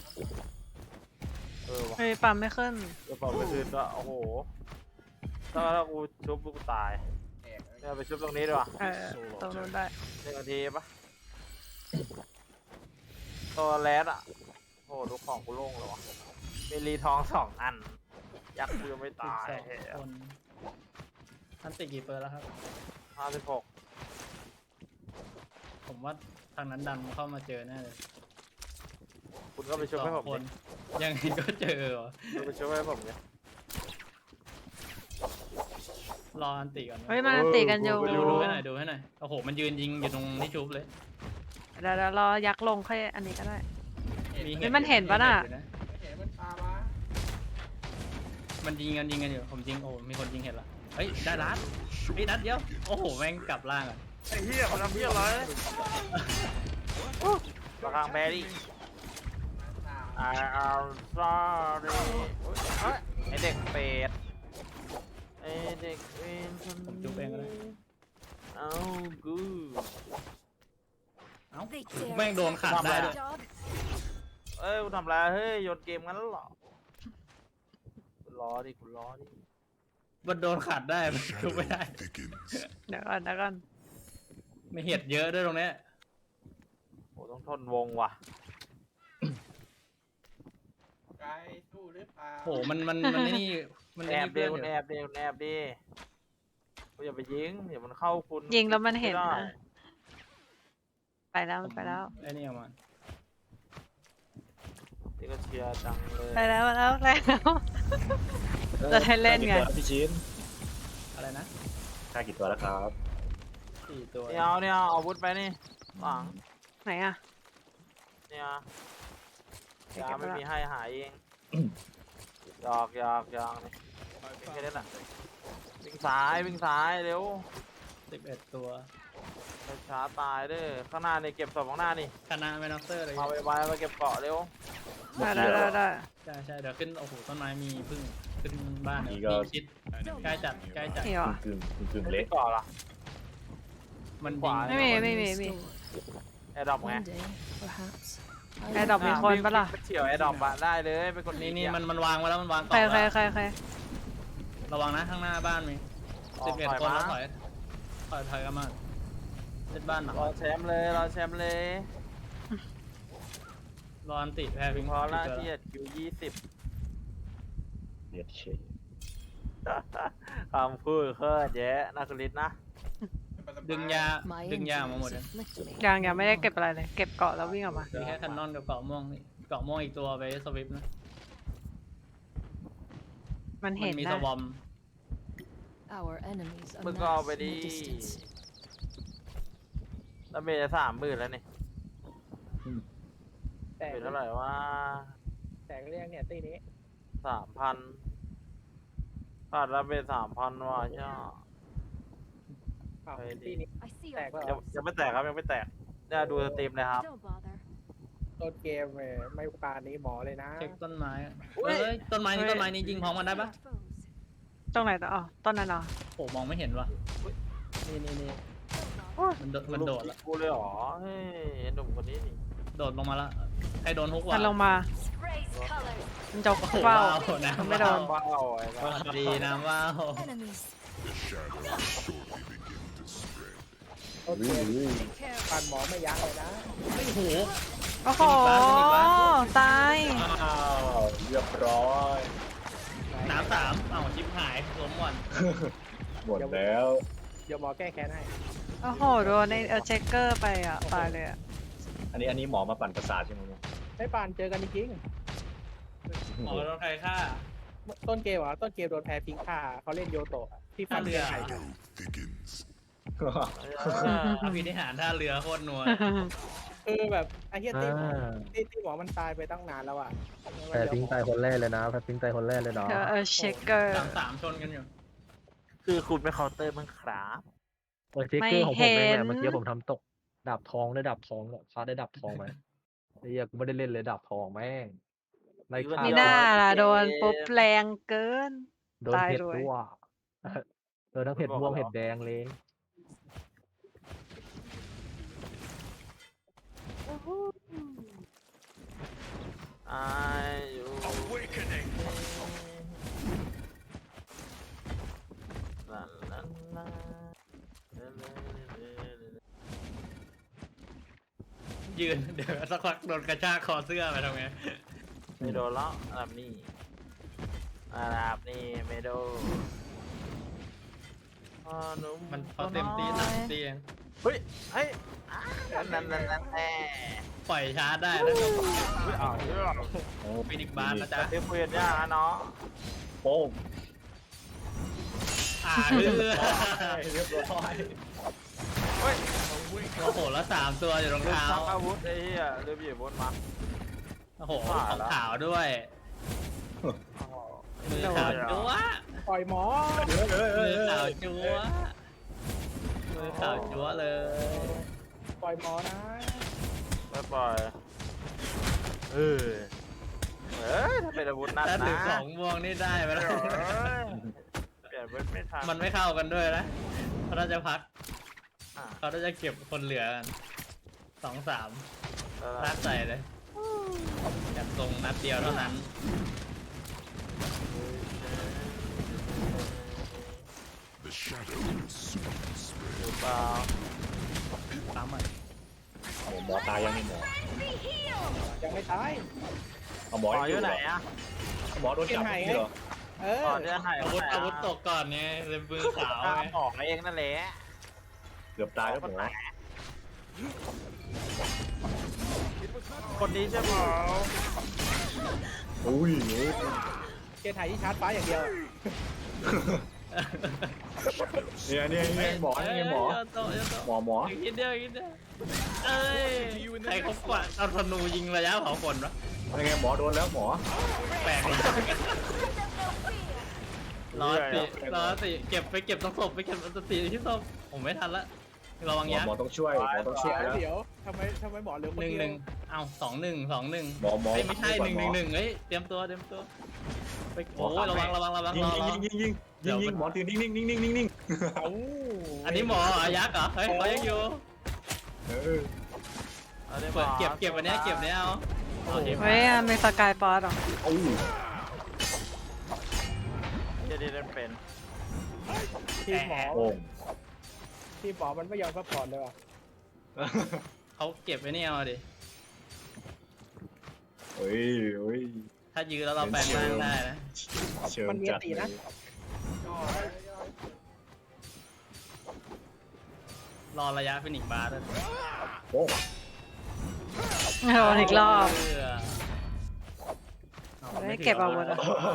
[SPEAKER 2] เออวะ
[SPEAKER 3] เฮ้ยปั๊มไม่ขึ้น
[SPEAKER 2] เดี๋ยวบอกไปคืนก็โอ้โหถ้าถ้ากูชุบกูตายเนี่ยไปชุบตรงนี้ดีกว่า
[SPEAKER 3] เออตรงนู้นได้
[SPEAKER 2] หนึ่งนาทีปะตัวแรดอ่ะโอ้โหดูของกูโล่งเลยวะมีรีทองสองอัน ยักษ์กูยังไม่
[SPEAKER 1] สิบ
[SPEAKER 2] ตาย
[SPEAKER 1] สองคนท่านติดกี่เปอร์แล้วครับ
[SPEAKER 2] ห้าสิบหก
[SPEAKER 1] ผมว่าทางนั้นดันเข้ามาเจอแน่เลย
[SPEAKER 2] คุณก็ไปชุบให้ผม
[SPEAKER 1] คน
[SPEAKER 2] ดิ
[SPEAKER 1] ยังไงก็เจอวะ
[SPEAKER 2] คุณไปชุบให้ผมดิ
[SPEAKER 1] รออันติก่อนนะ
[SPEAKER 3] เฮ้ยมันตีกันอยู่
[SPEAKER 1] ดูดูให้หน่อยดูให้หน่อยโอ้โหมันยืนยิงอยู่ตรงที่ชุบเลย
[SPEAKER 3] เดี๋ยวเดี๋ยวรอยักษ์ลงค่อยอันนี้ก็ได้
[SPEAKER 1] มี
[SPEAKER 3] เฮ้ยมันเห็นปะน่ะ
[SPEAKER 1] มีเห็ดอยู่
[SPEAKER 4] เห็นมันตามมา
[SPEAKER 1] มันยิงกันยิงกันอยู่ผมยิงโอ้มีคนยิงเห็นละเฮ้ยได้รัดไอ้ยนัดเดียวโอ้โหแม่งกลับล่างอ่ะ
[SPEAKER 2] ไอ้เหี้ยมันทำเหี้ยอะไรประคังแบรี่ I am sorry เฮ้ยไอเด็กเป็ดไอเด็กเป็ด
[SPEAKER 1] ผมจุ๊บเองก็ได้
[SPEAKER 2] เอากู
[SPEAKER 1] เอ้า
[SPEAKER 6] They dare
[SPEAKER 1] แม่งโดนขัดได้ด้วย
[SPEAKER 6] dog.
[SPEAKER 2] เอ้ยกูทำอะไรเฮ้ยโยนเกมงั้นเหรอคุณล้อดิคุณล้อดิ
[SPEAKER 1] มันโดนขัดได้มันชุบไม่ได้
[SPEAKER 3] เดี๋ยวก่อนเดี๋ยวก่อน
[SPEAKER 1] ไม่เห็ดเยอะด้วยตรงเนี้ย
[SPEAKER 2] โอ้ต้องทนวงว่ะ
[SPEAKER 4] ไกลสู้หรือเปล่า
[SPEAKER 1] โอ้โหมันมันมันไอ้นี่มัน
[SPEAKER 2] แอ
[SPEAKER 1] ไอ้
[SPEAKER 2] บ
[SPEAKER 1] นี่
[SPEAKER 2] ดิ
[SPEAKER 1] เพื่อนอ
[SPEAKER 2] คุณ
[SPEAKER 1] ยู่
[SPEAKER 2] แอบดิคุณแอบดิคุณอย่าไปยิงเดี๋ยวมันเข้าคุณ
[SPEAKER 3] ยิงแล้วมันเห็น
[SPEAKER 2] ไได้
[SPEAKER 3] นะ ไปแล้วมันไปแล้ว
[SPEAKER 1] ไอ้นี่ออกมา
[SPEAKER 2] นี่ก็เชียร์จังเลย
[SPEAKER 3] ไปแล้วไปแล้วแล้วจะให้เล่นไง
[SPEAKER 9] พี่ชิ้น
[SPEAKER 1] อะไรนะ
[SPEAKER 9] ค่ากี่ตัวแล้วครับ
[SPEAKER 1] สี่ตัว
[SPEAKER 2] เนี่ยเอาเนี่ยเอาอาวุธไปนี่หลัง
[SPEAKER 3] ไหนอ่ะ
[SPEAKER 2] เนี่ย
[SPEAKER 3] เดี๋ย
[SPEAKER 2] ยาว
[SPEAKER 3] เก็บ
[SPEAKER 2] ไม่
[SPEAKER 3] ไว้
[SPEAKER 2] มีให้หายเองหยอกหยอกหยอกนี่วิ่งแค่นี้แหละวิ่งซ้ายวิ่งซ้ายเร็ว
[SPEAKER 1] สิบเอ็ดตัว
[SPEAKER 2] ช้าตายเด้อข้างหน้านี่เก็บศพข้างหน้านี่
[SPEAKER 1] คณะแมนอฟเตอร์เลย
[SPEAKER 2] เอาไปไว้มาเก็บเกาะเร็ว
[SPEAKER 3] ได้ได้ได้ได้
[SPEAKER 1] ใช่ใช่เดี๋ยวขึ้นโอ้โหต้นไม้มีพึ่งขึ้นบ้านเนี่ย
[SPEAKER 9] นี่ก็
[SPEAKER 1] มีชิดใกล้จัดใกล้จัด
[SPEAKER 3] นี่เหรอ
[SPEAKER 9] กึ่งกึ่งกึ่ง
[SPEAKER 2] ไม่
[SPEAKER 9] เละ
[SPEAKER 2] เกาะเหรอ
[SPEAKER 1] มัน
[SPEAKER 2] ข
[SPEAKER 1] ยิง
[SPEAKER 2] วา
[SPEAKER 3] ไม่มีไม่มีไม่มี
[SPEAKER 2] แอร์ดรอปไง
[SPEAKER 6] One day, perhaps.
[SPEAKER 3] ไอ้ดอกมีคนปะล่ะ
[SPEAKER 2] ไปเฉียวแอร์ดรอปอะได้เลยเป็นคน
[SPEAKER 1] นี่
[SPEAKER 2] ดี
[SPEAKER 1] นี่
[SPEAKER 2] อะ
[SPEAKER 1] มันมันวางไว้แล้วมันวาง
[SPEAKER 3] ใคร
[SPEAKER 1] ต่อ
[SPEAKER 3] ใคร
[SPEAKER 1] แล้ว
[SPEAKER 3] ใครใคร
[SPEAKER 1] ระวังนะข้างหน้าบ้านมี
[SPEAKER 2] ออ
[SPEAKER 1] สิ
[SPEAKER 2] ก
[SPEAKER 1] บเอ็ด
[SPEAKER 2] ถอย
[SPEAKER 1] คน
[SPEAKER 2] มา
[SPEAKER 1] แล้วถอยถอยถอยกันมาเล่นบ้านหนัก
[SPEAKER 2] รอแชมป์เลยรอแชมป์เลย
[SPEAKER 1] รออันติแพ้พิง
[SPEAKER 2] พอละ
[SPEAKER 1] เจอ
[SPEAKER 2] ที่คิวยี่สิบ
[SPEAKER 9] เลียดเฉย
[SPEAKER 2] คำพูดเคลื่อนเยอะนักลิศนะ
[SPEAKER 1] ดึงยา
[SPEAKER 6] My
[SPEAKER 1] ดึงยามาหมด
[SPEAKER 6] injuries
[SPEAKER 1] เลย
[SPEAKER 6] afflict me.
[SPEAKER 3] ยังยังไม่ได้เก็บอะไรเลย เก็บเกาะแล้ววิ่งออกมา
[SPEAKER 1] มีแค่คันนอนกับเกาะม่วงนี่เกาะม่วงอีกตัวไปสวิปนะ
[SPEAKER 3] มัน
[SPEAKER 1] มั
[SPEAKER 3] เห็น
[SPEAKER 1] มี
[SPEAKER 3] นะ
[SPEAKER 1] สวอม
[SPEAKER 6] Our enemies
[SPEAKER 2] มึงก็เอาไป
[SPEAKER 6] amass
[SPEAKER 2] ดิ
[SPEAKER 6] in the distance.
[SPEAKER 2] แล้วเมย์จะสามหมื่นแล้วนี่
[SPEAKER 8] แต่
[SPEAKER 2] เป็นเท่าไหร่ว่า
[SPEAKER 8] แต่เรียกเนี่ยตีนี้
[SPEAKER 2] สามพันขาดแล้วเมย์สามพันว่ะใช่
[SPEAKER 8] อ้าว
[SPEAKER 2] ไปดิ
[SPEAKER 8] ตีนี้
[SPEAKER 6] I see
[SPEAKER 8] แตก
[SPEAKER 6] your
[SPEAKER 8] แล้ว
[SPEAKER 2] ยังยังไม่แตกครับยังไม่แตกเนี่ยดูสตรีมเลยครับ
[SPEAKER 6] Don't bother.
[SPEAKER 8] ต้นเกมเว้ยไม่ปานนี้หมอเลยนะ
[SPEAKER 1] เช็คต้นไม้อะ
[SPEAKER 2] อุ๊ย
[SPEAKER 1] เอ้ยต้นไม้นี่ต้นไม้นี่ยิงพร้อมกันได้ปะ
[SPEAKER 6] Foes.
[SPEAKER 3] ตรงไหนต่ออ๋อต้นนั้นเหรอ
[SPEAKER 1] โอ้มองไม่เห็นว่ะนี่นี่นี่
[SPEAKER 6] Don't bother.
[SPEAKER 1] มันโดดมันโดดละ
[SPEAKER 2] กูเลยเหรอเฮ้ยหนุ่มคนนี้นี่
[SPEAKER 1] โดดลงมาละใครโดนฮุกวะ
[SPEAKER 3] มันลงมา
[SPEAKER 6] Sprays
[SPEAKER 3] มันจก
[SPEAKER 1] โอ้โห
[SPEAKER 3] เฝ้า
[SPEAKER 1] ว้าวน้ำ
[SPEAKER 3] ไม่โดน
[SPEAKER 2] ว้าวไอ้สัส
[SPEAKER 1] ดีน้ำว้าว
[SPEAKER 6] Enemies.
[SPEAKER 8] โอเคปั่นหมอไม่ยั้งเลยนะ
[SPEAKER 1] ไม่โห
[SPEAKER 3] โอ้โห ตาย
[SPEAKER 9] อ้าวเรียบร้อย
[SPEAKER 1] น้ำสามเอ้าชิปหายล้มก่อน
[SPEAKER 9] หมดแล้ว
[SPEAKER 8] เดี๋ยวหมอแก้แค้นให้
[SPEAKER 3] โอ้โห โดนในเออเช็คเกอร์ไปอ่ะ ตายเลยอ่ะ
[SPEAKER 9] อันนี้อันนี้หมอมาปั่นประสาทใช่ไหมเนี่ย
[SPEAKER 8] ไม่ปั่นเจอกันจริง
[SPEAKER 1] หมอโดนใครฆ่า
[SPEAKER 8] ๆต้นเกมเหรอต้นเกมโดนแพ้พิงค่าเขาเล่นโยโตะที่ฟัน
[SPEAKER 1] ท่าเรือ
[SPEAKER 8] ไข่
[SPEAKER 1] อภินิหารท่าเรือโคตรนัว
[SPEAKER 8] คือแบบไอ้เหี้ยตีหมอตีตีหมอมันตายไปตั้งนานแล้วอ่ะ
[SPEAKER 10] แพ้พิงตายคนแรกเลยนะแพ้พิงตายคนแรกเลยเนาะ
[SPEAKER 3] เออเออเช็คเกอร์
[SPEAKER 1] สามสามชนกันอยู่
[SPEAKER 2] คือคุณไม่เคาน์เตอร์มั้งครับ
[SPEAKER 10] เออเจ๊เกอร์ของผมเองแห
[SPEAKER 3] ไม่เห็
[SPEAKER 10] ละ
[SPEAKER 3] น
[SPEAKER 10] เมื่อกี้ผมทำตกดาบทองได้ดาบทองเนี่ยฟาดได้ดาบทองไหมไอ้เหี้ยกูไม่ได้เล่นเลยดาบทองแม่งไล่ฆ่า
[SPEAKER 3] นี่น่าล่ะโดนปุ๊บแรงเกิน
[SPEAKER 10] โดน
[SPEAKER 3] ตาย
[SPEAKER 10] เห็ด
[SPEAKER 3] ด้วย
[SPEAKER 10] ด้วยโดนทั้งเห็ดม่วงเห็ดแดงเลย
[SPEAKER 2] ไอ้อยู่ลาลาลา
[SPEAKER 1] ยืน เดี๋ยวสักพักโดนกระชากคอเสื้อไปทำไง
[SPEAKER 2] ไม่โดนแล้วอันดับนี้อันดับนี้ไม่โดนอ๋อหนุ่
[SPEAKER 1] มันเขาเต็มตีสามตีเอง
[SPEAKER 2] เฮ้ยเฮ้ยอ่านั่นนั่นนั่นแน่
[SPEAKER 1] ปล่อยชาร์จได้แล้ว
[SPEAKER 2] เฮ้ยอ้าวเรื่อง
[SPEAKER 9] โอ้
[SPEAKER 1] ฟินิกบาร์นะจ๊ะ
[SPEAKER 2] เดี๋ยวคุยกันยากนะเนาะ
[SPEAKER 9] โป้ง
[SPEAKER 1] อ่าเรือ
[SPEAKER 9] เรียบร้อย
[SPEAKER 2] เฮ้ย
[SPEAKER 1] โอ้โหแล้วสามตัวอยู่รอง
[SPEAKER 2] ลืม
[SPEAKER 1] เท้า
[SPEAKER 2] ชักอาวุธไอ้เหี้ยลืมหยิบอาวุธมา
[SPEAKER 1] โอ้โหของขาวด้วยมือขาวจั๊วะ
[SPEAKER 8] ปล่อยหมอ
[SPEAKER 1] มือขาวจั๊วะมือขาวจั๊วะเลย
[SPEAKER 8] ปล่อยหมอนะ
[SPEAKER 2] ไม่ปล่อยเออเอ้ยถ้าเป็นอาวุธนั่น
[SPEAKER 1] ถ้า
[SPEAKER 2] นะ
[SPEAKER 1] ถือของม่วงนี่ได้ไปแล้ว
[SPEAKER 2] เปลี่ยนเป็นไม่ทัน
[SPEAKER 1] มันไม่เข้ากันด้วยนะเขาน่าจะพัก
[SPEAKER 2] อ่ะ
[SPEAKER 1] เขาน่าจะเก็บคนเหลือกันสองสาม
[SPEAKER 2] แล้ว
[SPEAKER 1] รักใส่เลยจัดทรงนัดเดียวเท่านั้น
[SPEAKER 2] หรือเปล่า
[SPEAKER 1] ปั๊มอ่ะ
[SPEAKER 9] เอาหมอตายยังนี่หมอ
[SPEAKER 8] ยังไม่ตาย
[SPEAKER 9] เอาหมอ
[SPEAKER 2] หมอ
[SPEAKER 9] ยัง
[SPEAKER 2] อยู่ไหน
[SPEAKER 9] เหร
[SPEAKER 2] อ่ะ
[SPEAKER 9] หมอโดนจับไม่ใช่เหรอ
[SPEAKER 8] เอ
[SPEAKER 2] หม
[SPEAKER 8] อ
[SPEAKER 2] อจะหาย
[SPEAKER 1] อาวุธอาวุธตกก่อนไงเลยมือขาว
[SPEAKER 2] ตา
[SPEAKER 1] ไง
[SPEAKER 2] หมอเองนั่นแหละ
[SPEAKER 9] เกือบตายแล้วหมอ
[SPEAKER 2] คนนี้ใช่ไหม
[SPEAKER 9] อุ้ย
[SPEAKER 8] เกณฑ์ไทยที่ชาร์จฟ้าอย่างเดียว
[SPEAKER 9] เนี่ยเนี่ยเนี่ยหมอเนี่ยหมอ
[SPEAKER 1] เยอะโตเยอะโต
[SPEAKER 9] หมอหมอ
[SPEAKER 1] อีกนิดเดียวอีกนิดเดียวเอ้ยใครเขากวาดเอาธนูยิงระยะเผาขนวะ
[SPEAKER 9] อะไรไงหมอโดนแล้วหมอ
[SPEAKER 1] แปลกเลยรอสิรอสิเก็บไปเก็บต้องศพไปเก็บอันตรีที่ศพผมไม่ทันละระวัง
[SPEAKER 9] หมอ
[SPEAKER 1] ยัก
[SPEAKER 9] หมอ
[SPEAKER 1] ษ์
[SPEAKER 9] ต้องช่วยหมอต้องช่วยแล้ว
[SPEAKER 8] เดี๋ยวทำไมทำไมหมอเหลือคน
[SPEAKER 1] หนึ่ง
[SPEAKER 8] เดี
[SPEAKER 1] ห
[SPEAKER 8] ย
[SPEAKER 1] นึ่ง
[SPEAKER 8] ว
[SPEAKER 1] เอ้าสองหนึ่งสองหนึ่ง
[SPEAKER 9] หมอหมอ
[SPEAKER 1] เอ้ยไม่ใช่ห
[SPEAKER 9] ก่อ
[SPEAKER 1] นึ่งห
[SPEAKER 9] ม
[SPEAKER 1] นึ่
[SPEAKER 9] อง
[SPEAKER 1] หนึ่งเฮ้ยเตรียมตัวเตรียมตัวไป
[SPEAKER 9] หม
[SPEAKER 1] โอ้
[SPEAKER 9] อย
[SPEAKER 1] ระวังระวังระวัง
[SPEAKER 9] ยิ
[SPEAKER 1] รง อรอ
[SPEAKER 9] ยิงยิงยิงยิงยิงหมอถือนิ่งนิ่งนิ่งนิ่งนิ่งนิ่ง
[SPEAKER 8] เอ้า
[SPEAKER 1] อันนี้หมอเหรอยักษ์เหรอเฮ้ยเขายังอยู่
[SPEAKER 9] เออ
[SPEAKER 1] เปิดเก็บเก็บอันเนี้ยเก็บเนี้ยเอาโอเค
[SPEAKER 3] เฮ้ยมีสกายฟอสเหรอ
[SPEAKER 9] โอ้
[SPEAKER 2] จะได้เล่นเป็น
[SPEAKER 8] ทีมหมอ
[SPEAKER 9] โอ้ง
[SPEAKER 8] ทีมหมอมันไม่ยอมซัพพอร์ตเลยว่ะ
[SPEAKER 1] เขาเก็บไว้นี่เอาดิ
[SPEAKER 9] เฮ้ยเฮ้ย
[SPEAKER 1] ถ้ายื้อแล้วเราแปลงร่างได้นะ
[SPEAKER 9] เชิญ
[SPEAKER 8] มันมี
[SPEAKER 9] จัด
[SPEAKER 8] ตี
[SPEAKER 9] เล
[SPEAKER 8] นะ
[SPEAKER 9] ย
[SPEAKER 1] รอระยะฟินิกบาร์ด้วย
[SPEAKER 9] โอ้ง
[SPEAKER 3] โดนอีกรอบ
[SPEAKER 1] เออ
[SPEAKER 3] ไม่เก็บอาวุธอะ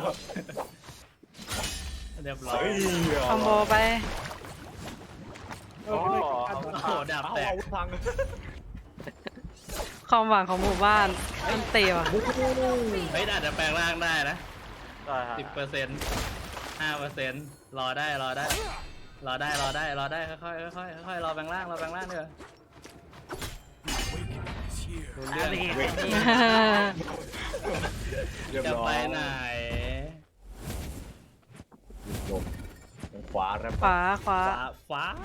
[SPEAKER 1] เรียบร้อย
[SPEAKER 9] เฮ้ย
[SPEAKER 3] คอมโบไป
[SPEAKER 8] เออ
[SPEAKER 2] โอ้
[SPEAKER 8] ไม่
[SPEAKER 2] โห
[SPEAKER 8] ได้
[SPEAKER 1] โอ้โหดาบ
[SPEAKER 9] เอา
[SPEAKER 1] แตก
[SPEAKER 9] อาวุธพัง
[SPEAKER 3] ความหวังของหมู่บ้านมันตีว่ะ
[SPEAKER 1] เฮ้ยอาจจะแปลงร่างได้นะ
[SPEAKER 2] ได้ฮะ
[SPEAKER 1] สิบเปอร์เซ็นต์ห้าเปอร์เซ็นต์รอได้รอได้ รอได้รอได้รอได้ค่อยๆค่อยๆค่อยๆรอแปลงร่างรอแปลงร่างเถอะดูเรื่อง
[SPEAKER 9] เรียบ
[SPEAKER 1] จะ
[SPEAKER 9] ร้อ
[SPEAKER 1] ไป
[SPEAKER 9] ย
[SPEAKER 1] ไหน
[SPEAKER 9] จบขวาแล้ว
[SPEAKER 3] ขวาขวา
[SPEAKER 1] ฟ้าฟ้า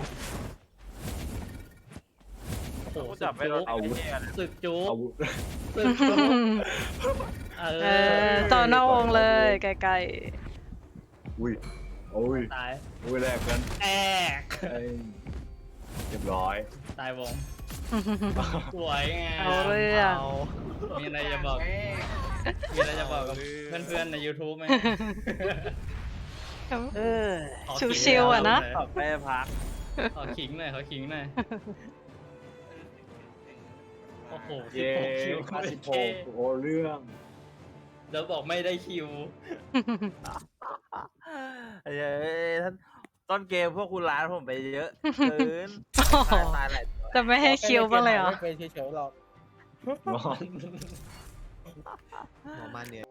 [SPEAKER 1] โอ้โห
[SPEAKER 2] กู
[SPEAKER 1] สึ
[SPEAKER 2] จับ
[SPEAKER 1] ก
[SPEAKER 2] ไปโด
[SPEAKER 1] จุ๊
[SPEAKER 2] น
[SPEAKER 1] ก
[SPEAKER 2] ไอ้เหี้ย
[SPEAKER 1] สึกจุ๊ก
[SPEAKER 9] อาวุธ
[SPEAKER 1] สึกจุ๊กเอ
[SPEAKER 3] เออต่อนอกวงเลยไกล
[SPEAKER 9] อุ้ยโอ้ย
[SPEAKER 1] ตาย
[SPEAKER 9] อุ้ยแลกกัน
[SPEAKER 1] แอก
[SPEAKER 9] เอ้ยเรียบร้อย
[SPEAKER 1] ตายวง
[SPEAKER 3] ๆ
[SPEAKER 1] สวยงาม
[SPEAKER 3] เอาเรื่อง
[SPEAKER 1] มีอะไรจะบอก มีอะไรจะบอกกับเพื่อนๆใน YouTube ไหม
[SPEAKER 2] เออ
[SPEAKER 1] ขอ
[SPEAKER 3] ชิวๆอะนะ
[SPEAKER 2] ขอไปพัก
[SPEAKER 1] ขอขิงหน่อยขอขิงหน่อย โอ้โหสิบ
[SPEAKER 9] เย้
[SPEAKER 1] หกคิว
[SPEAKER 9] คาสิโป
[SPEAKER 1] เท่
[SPEAKER 9] โอ้เรื่อง
[SPEAKER 1] แล้วบอกไม่ได้คิว
[SPEAKER 2] เย้ท่านต้นเกมพวกคุณร้านผมไปเยอะเกิน
[SPEAKER 3] โอ้โห
[SPEAKER 2] ตายตายหลายตัว
[SPEAKER 3] จะไม่ให้คิวบ้างเลยเหรอ
[SPEAKER 8] ไม่เป็นเฉยๆหรอก
[SPEAKER 9] นอน
[SPEAKER 5] หมอมาเนี่ย